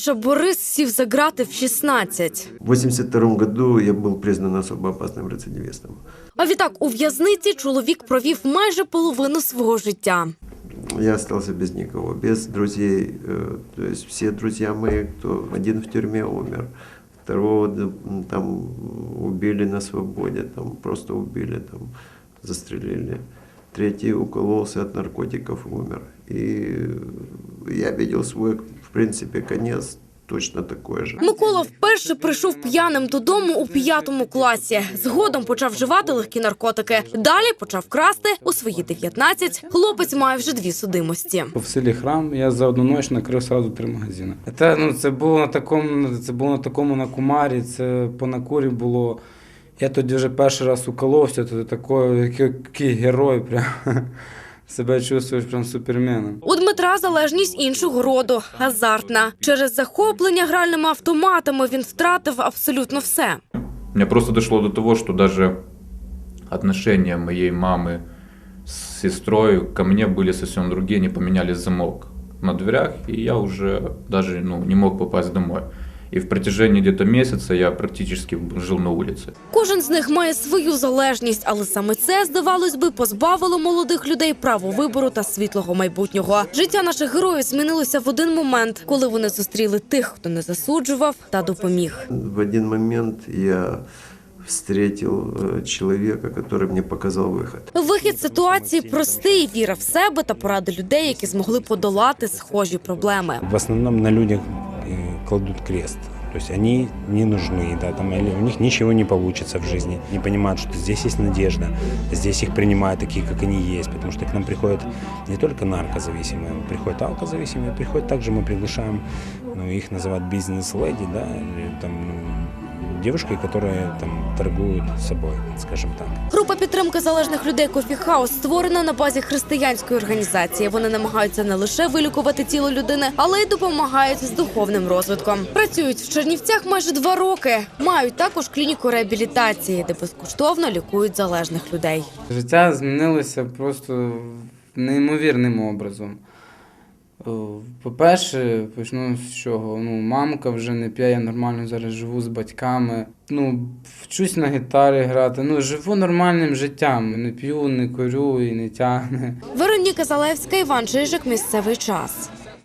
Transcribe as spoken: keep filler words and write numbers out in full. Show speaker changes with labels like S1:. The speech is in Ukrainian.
S1: Найстарша Борис сів за грати в шістнадцять.
S2: В восемьдесят втором году я был признан особо опасным рецидивистом.
S1: А відтак у в'язниці чоловік провів майже половину свого життя.
S2: Я остался без никого, без друзей. То есть все друзья мои, кто один в тюрьме умер, второго там убили на свободе, там просто убили, там застрелили. Третий укололся от наркотиков, умер. И я видел свой, в принципе, конец точно такой же.
S1: Микола вперше прийшов п'яним додому у п'ятому класі. Згодом почав вживати легкі наркотики. Далі почав красти. У свої дев'ятнадцять хлопець має вже дві судимості.
S3: В селі Храм я за одну ніч накрив одразу три магазини. Це, ну, це було на такому, це було на такому накумарі, це по накурі було. Я тоді вже перший раз уколовся, то такий, який герой, прям. Себе чувствуєш прям суперменом.
S1: У Дмитра залежність іншого роду – азартна. Через захоплення гральними автоматами він втратив абсолютно все.
S4: У меня просто дошло до того, что даже отношения моей мамы с сестрой ко мне были совсем другие, они поменяли замок на дверях, и я уже даже ну, не мог попасть домой. І в протяжении где-то месяца я практически жив на вулиці.
S1: Кожен з них має свою залежність, але саме це, здавалось би, позбавило молодих людей права вибору та світлого майбутнього. Життя наших героїв змінилося в один момент, коли вони зустріли тих, хто не засуджував та допоміг.
S2: В один момент я встретил человека, который мне показал выход.
S1: Вихід з ситуації простий – віра в себе та поради людей, які змогли подолати схожі проблеми.
S5: В основном на людях кладут крест. То есть они не нужны, да, там, или у них ничего не получится в жизни. Не понимают, что здесь есть надежда, здесь их принимают такие, как они есть. Потому что к нам приходят не только наркозависимые, приходят алкозависимые, приходят также мы приглашаем, ну, их называют бизнес-леди, да, или, там, ну, девушки, которые там торгуют собой, скажем так.
S1: Група підтримки залежних людей «Кофі Хаус» створена на базі християнської організації. Вони намагаються не лише вилікувати тіло людини, але й допомагають з духовним розвитком. Працюють в Чернівцях майже два роки. Мають також клініку реабілітації, де безкоштовно лікують залежних людей.
S3: Життя змінилося просто неймовірним образом. По-перше, почну з чого. Ну, мамка вже не п'є, я нормально зараз живу з батьками. Ну, вчусь на гітарі грати, ну, живу нормальним життям. Не п'ю, не курю і не тягне.
S1: Вероніка Залевська, Іван Чижик. Місцевий час.